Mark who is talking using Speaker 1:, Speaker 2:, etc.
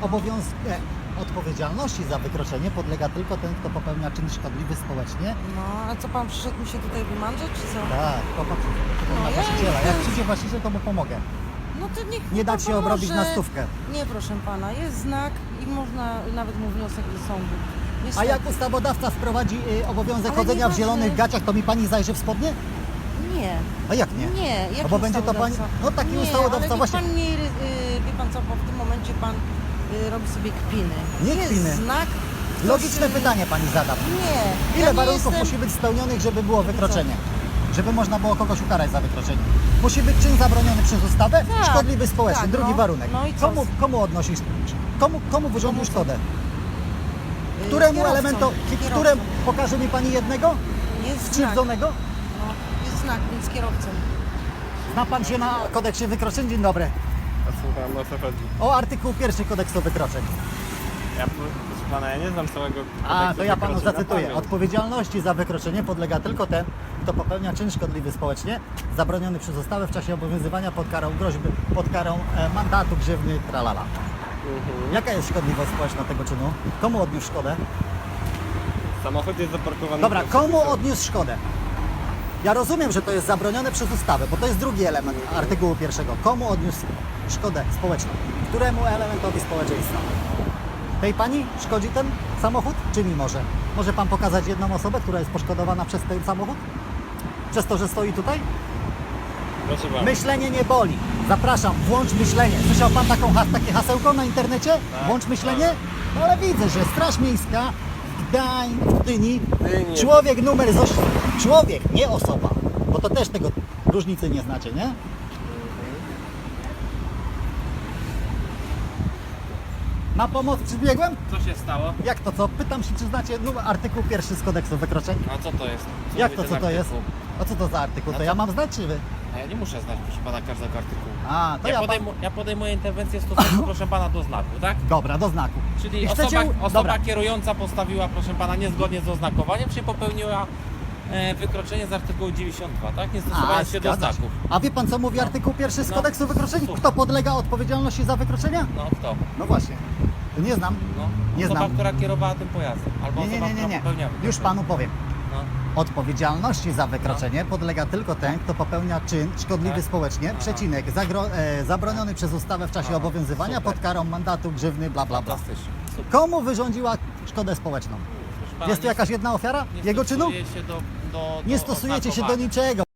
Speaker 1: Odpowiedzialności za wykroczenie podlega tylko ten, kto popełnia czyn szkodliwy społecznie.
Speaker 2: No, a co pan przyszedł mi się tutaj wymandrzeć, czy co?
Speaker 1: Tak, popatrz,
Speaker 2: No,
Speaker 1: na
Speaker 2: ja
Speaker 1: właściciela. Jak
Speaker 2: jestem-
Speaker 1: przyjdzie właściciel, to mu pomogę.
Speaker 2: No to niech
Speaker 1: Nie
Speaker 2: pan
Speaker 1: dać się obrobić na
Speaker 2: pomoże.
Speaker 1: stówkę.
Speaker 2: Nie, proszę pana, jest znak i można nawet mu wniosek do sądu.
Speaker 1: A
Speaker 2: Niestety.
Speaker 1: jak ustawodawca wprowadzi obowiązek
Speaker 2: Ale
Speaker 1: chodzenia w
Speaker 2: nieważne.
Speaker 1: zielonych gaciach, to mi pani zajrzy w spodnie?
Speaker 2: Nie.
Speaker 1: A jak nie?
Speaker 2: Nie, jaki
Speaker 1: No bo będzie to pani...
Speaker 2: ustawodawca?
Speaker 1: No taki
Speaker 2: nie,
Speaker 1: ustawodawca
Speaker 2: ale
Speaker 1: właśnie...
Speaker 2: Pan nie, wie pan co, bo w tym momencie pan robi sobie kpiny.
Speaker 1: Nie
Speaker 2: jest
Speaker 1: kpiny.
Speaker 2: znak...
Speaker 1: Logiczne
Speaker 2: ktoś,
Speaker 1: pytanie pani zadam.
Speaker 2: Nie.
Speaker 1: Ile
Speaker 2: ja nie
Speaker 1: warunków
Speaker 2: jestem...
Speaker 1: musi być spełnionych, żeby było wykroczenie? Żeby można było kogoś ukarać za wykroczenie. Musi być czyn zabroniony przez ustawę,
Speaker 2: Tak,
Speaker 1: szkodliwy społecznie.
Speaker 2: tak,
Speaker 1: Drugi
Speaker 2: no.
Speaker 1: warunek.
Speaker 2: No i co?
Speaker 1: Komu odnosisz? Komu wyrządził
Speaker 2: Komu co?
Speaker 1: szkodę? Któremu
Speaker 2: kierowcą,
Speaker 1: elementowi?
Speaker 2: kierowcą.
Speaker 1: Któremu? Pokaże mi pani jednego?
Speaker 2: Jest znak.
Speaker 1: Skrzywdzonego?
Speaker 2: No, jest znak, więc kierowcą.
Speaker 1: Zna pan się na kodeksie wykroczeń? Dzień dobry.
Speaker 3: A słucham, o co chodzi?
Speaker 1: O artykuł 1 kodeksu wykroczeń.
Speaker 3: Proszę pana, ja nie znam całego
Speaker 1: A,
Speaker 3: kodeksu
Speaker 1: to ja panu
Speaker 3: wykroczeń na
Speaker 1: zacytuję.
Speaker 3: pamięć.
Speaker 1: Odpowiedzialności za wykroczenie podlega tylko ten, kto popełnia czyn szkodliwy społecznie, zabroniony przez ustawę w czasie obowiązywania pod karą groźby, pod karą mandatu, grzywny, tralala. Jaka jest szkodliwość społeczna tego czynu? Komu odniósł szkodę?
Speaker 3: Samochód jest zaparkowany...
Speaker 1: Dobra,
Speaker 3: pod
Speaker 1: komu
Speaker 3: przepisem.
Speaker 1: odniósł szkodę? Ja rozumiem, że to jest zabronione przez ustawę, bo to jest drugi element artykułu 1. Komu odniósł szkodę społeczną? Któremu elementowi społeczeństwa? Tej pani szkodzi ten samochód, czy mi może? Może pan pokazać jedną osobę, która jest poszkodowana przez ten samochód? Przez to, że stoi tutaj?
Speaker 3: Proszę pana.
Speaker 1: Myślenie nie boli. Zapraszam, włącz myślenie. Słyszał pan takie hasełko na internecie?
Speaker 3: Tak,
Speaker 1: Włącz myślenie? No ale widzę, że Straż Miejska w Gdyni,
Speaker 3: Gdyni.
Speaker 1: człowiek numer człowiek, nie osoba, bo to też tego różnicy nie znacie, nie? Na pomoc przybiegłem?
Speaker 4: Co się stało?
Speaker 1: Jak to co? Pytam się, czy znacie artykuł 1 z kodeksu wykroczeń?
Speaker 4: A co to jest?
Speaker 1: Jak
Speaker 4: mówi
Speaker 1: to,
Speaker 4: ten
Speaker 1: co to jest?
Speaker 4: artykuł?
Speaker 1: A co to za artykuł?
Speaker 4: A
Speaker 1: To
Speaker 4: co?
Speaker 1: ja mam znać, czy wy?
Speaker 4: A ja nie muszę znać, proszę pana, każdego artykułu.
Speaker 1: A, to
Speaker 4: Ja podejmuję interwencję w stosunku, proszę pana, do znaku, tak?
Speaker 1: Dobra, do znaku.
Speaker 4: Czyli
Speaker 1: I chcecie...
Speaker 4: osoba
Speaker 1: Dobra.
Speaker 4: kierująca postawiła, proszę pana, niezgodnie z oznakowaniem, czyli popełniła wykroczenie z artykułu 92, tak? Nie stosowanie się do
Speaker 1: zgadza się.
Speaker 4: znaków.
Speaker 1: A wie pan, co mówi artykuł 1 z
Speaker 4: No.
Speaker 1: kodeksu wykroczeń?
Speaker 4: Słucham.
Speaker 1: Kto podlega odpowiedzialności za wykroczenia?
Speaker 4: No kto?
Speaker 1: No właśnie. Nie znam.
Speaker 4: No.
Speaker 1: Nie
Speaker 4: Osoba,
Speaker 1: znam.
Speaker 4: która kierowała tym pojazdem. Albo
Speaker 1: Nie, nie,
Speaker 4: osoba,
Speaker 1: nie, nie,
Speaker 4: która
Speaker 1: nie.
Speaker 4: popełniała
Speaker 1: Już
Speaker 4: wykroczenie.
Speaker 1: panu powiem.
Speaker 4: No.
Speaker 1: Odpowiedzialności za wykroczenie podlega tylko ten, kto popełnia czyn szkodliwy
Speaker 4: Tak?
Speaker 1: społecznie,
Speaker 4: Aha.
Speaker 1: przecinek, zabroniony przez ustawę w czasie
Speaker 4: Aha,
Speaker 1: obowiązywania
Speaker 4: super.
Speaker 1: pod karą mandatu, grzywny, bla bla bla.
Speaker 4: Fantastycznie. Super.
Speaker 1: Komu wyrządziła szkodę społeczną?
Speaker 4: Proszę pana,
Speaker 1: Jest tu
Speaker 4: nie-
Speaker 1: jakaś jedna ofiara
Speaker 4: nie
Speaker 1: jego czynu?
Speaker 4: stosuje się do
Speaker 1: Nie stosujecie się do
Speaker 4: oznakowania.
Speaker 1: niczego.